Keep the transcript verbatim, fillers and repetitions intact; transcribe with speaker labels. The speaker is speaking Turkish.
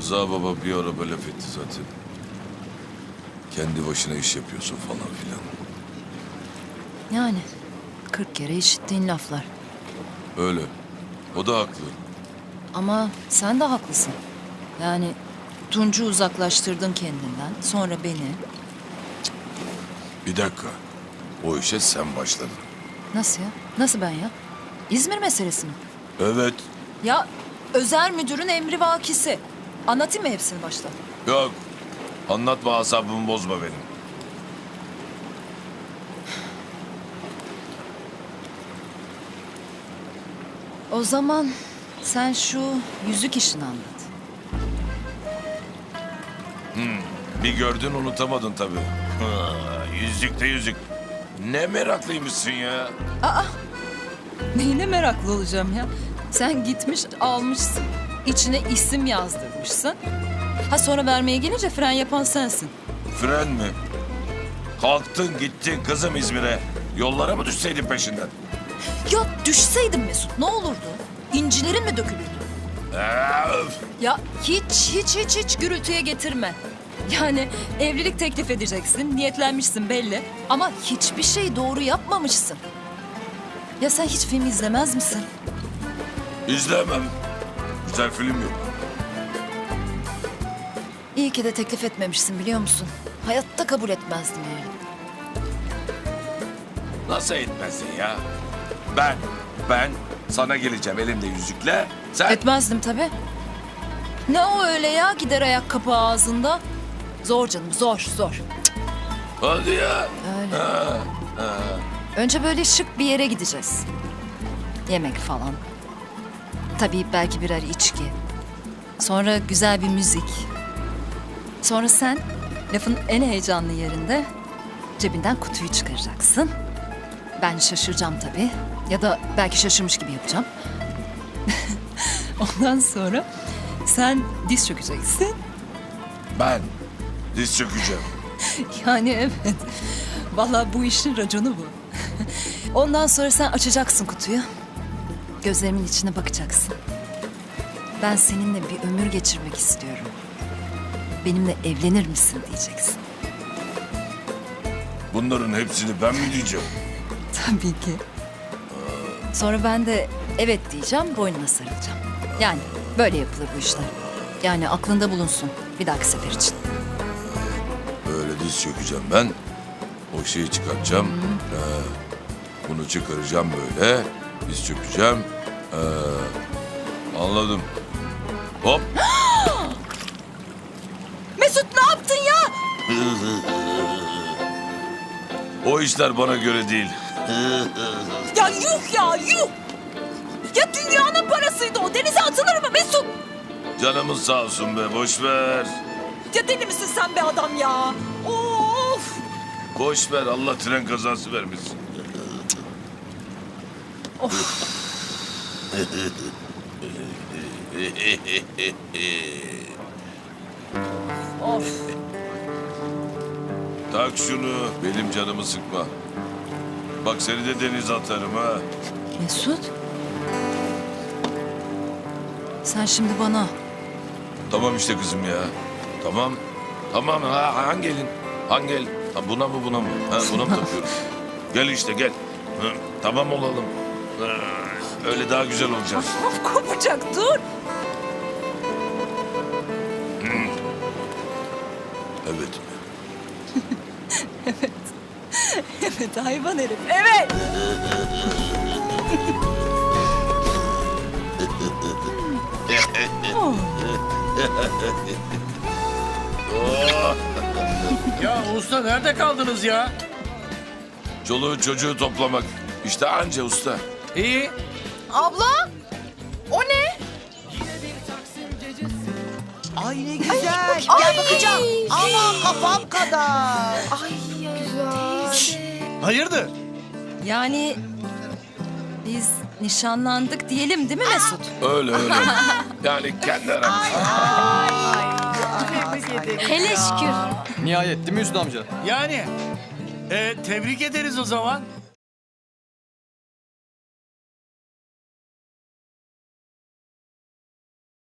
Speaker 1: Rıza baba bir ara böyle laf etti zaten. Kendi başına iş yapıyorsun falan filan.
Speaker 2: Yani kırk kere işittiğin laflar.
Speaker 1: Öyle. O da haklı.
Speaker 2: Ama sen de haklısın. Yani Tunç'u uzaklaştırdın kendinden. Sonra beni.
Speaker 1: Bir dakika. O işe sen başladın.
Speaker 2: Nasıl ya? Nasıl ben ya? İzmir meselesi mi?
Speaker 1: Evet.
Speaker 2: Ya özel müdürün emri vakisi. Anlatayım mı hepsini başta?
Speaker 1: Yok. Anlatma, asabımı bozma benim.
Speaker 2: O zaman sen şu yüzük işini anlat.
Speaker 1: Bir gördün unutamadın tabii. Ha, yüzük de yüzük. Ne meraklıymışsın ya.
Speaker 2: Neyine meraklı olacağım ya? Sen gitmiş almışsın. İçine isim yazdırmışsın. Ha sonra vermeye gelince fren yapan sensin.
Speaker 1: Fren mi? Kalktın gittin kızım İzmir'e. Yollara mı düşseydin peşinden?
Speaker 2: Ya düşseydin Mesut ne olurdu? İncilerin mi dökülürdü?
Speaker 1: Ee, öf.
Speaker 2: Ya hiç hiç hiç hiç gürültüye getirme. Yani evlilik teklif edeceksin, niyetlenmişsin belli. Ama hiçbir şey doğru yapmamışsın. Ya sen hiç film izlemez misin?
Speaker 1: İzlemem. Güzel film yok.
Speaker 2: İyi ki de teklif etmemişsin biliyor musun? Hayatta kabul etmezdim yani.
Speaker 1: Nasıl etmezsin ya? Ben, ben sana geleceğim elimde yüzükle. Sen...
Speaker 2: Etmezdim tabii. Ne o öyle ya gider ayak kapağı ağzında? Zor canım zor zor.
Speaker 1: Hadi ya.
Speaker 2: Öyle.
Speaker 1: Ha, ha.
Speaker 2: Önce böyle şık bir yere gideceğiz. Yemek falan. Tabii belki birer içki. Sonra güzel bir müzik. Sonra sen lafın en heyecanlı yerinde cebinden kutuyu çıkaracaksın. Ben şaşıracağım tabii. Ya da belki şaşırmış gibi yapacağım. Ondan sonra sen diz çökeceksin.
Speaker 1: Ben diz çökeceğim.
Speaker 2: Yani evet. Vallahi bu işin raconu bu. Ondan sonra sen açacaksın kutuyu. Gözlerimin içine bakacaksın. Ben seninle bir ömür geçirmek istiyorum. Benimle evlenir misin diyeceksin.
Speaker 1: Bunların hepsini ben mi diyeceğim?
Speaker 2: Tabii ki. Sonra ben de evet diyeceğim, boynuna sarılacağım. Yani böyle yapılır bu işler. Yani aklında bulunsun bir dahaki sefer için.
Speaker 1: Böyle diz çökeceğim ben. O şeyi çıkartacağım. Ee, bunu çıkaracağım böyle. Diz çökeceğim. Ee, anladım. Hop.
Speaker 2: Mesut ne yaptın ya?
Speaker 1: O işler bana göre değil.
Speaker 2: Ya yuh ya yuh! Ya dünyanın parasıydı o. Denize atılır mı Mesut?
Speaker 1: Canımız sağ olsun be, boş ver.
Speaker 2: Ya deli misin sen be adam ya? Of!
Speaker 1: Boş ver, Allah tren kazası vermesin.
Speaker 2: Of!
Speaker 1: Tak şunu, benim canımı sıkma. Bak seni de denize atarım ha.
Speaker 2: Mesut? Sen şimdi bana
Speaker 1: Tamam işte kızım ya. Tamam. Tamam ha, hangi elin? Hangi el? Ha, buna mı buna mı? Ha, buna mı takıyoruz? Gel işte gel. Hı, tamam olalım. Ha, öyle daha güzel olacağız.
Speaker 2: of kopacak dur.
Speaker 1: Evet.
Speaker 2: Evet hayvan herif. Evet.
Speaker 3: Ya usta nerede kaldınız ya?
Speaker 1: Çoluğu çocuğu toplamak. İşte anca usta.
Speaker 3: İyi.
Speaker 4: Abla, o ne?
Speaker 5: Ay ne güzel. Gel bakacağım. Ama kafam kadar.
Speaker 4: Ay güzel.
Speaker 3: Hayırdır?
Speaker 2: Yani biz nişanlandık diyelim değil mi Mesut?
Speaker 1: Öyle öyle. Yani kendi aramızda.
Speaker 4: Hele şükür.
Speaker 6: Nihayet değil mi Hüsnü amca?
Speaker 3: Yani e, tebrik ederiz o zaman.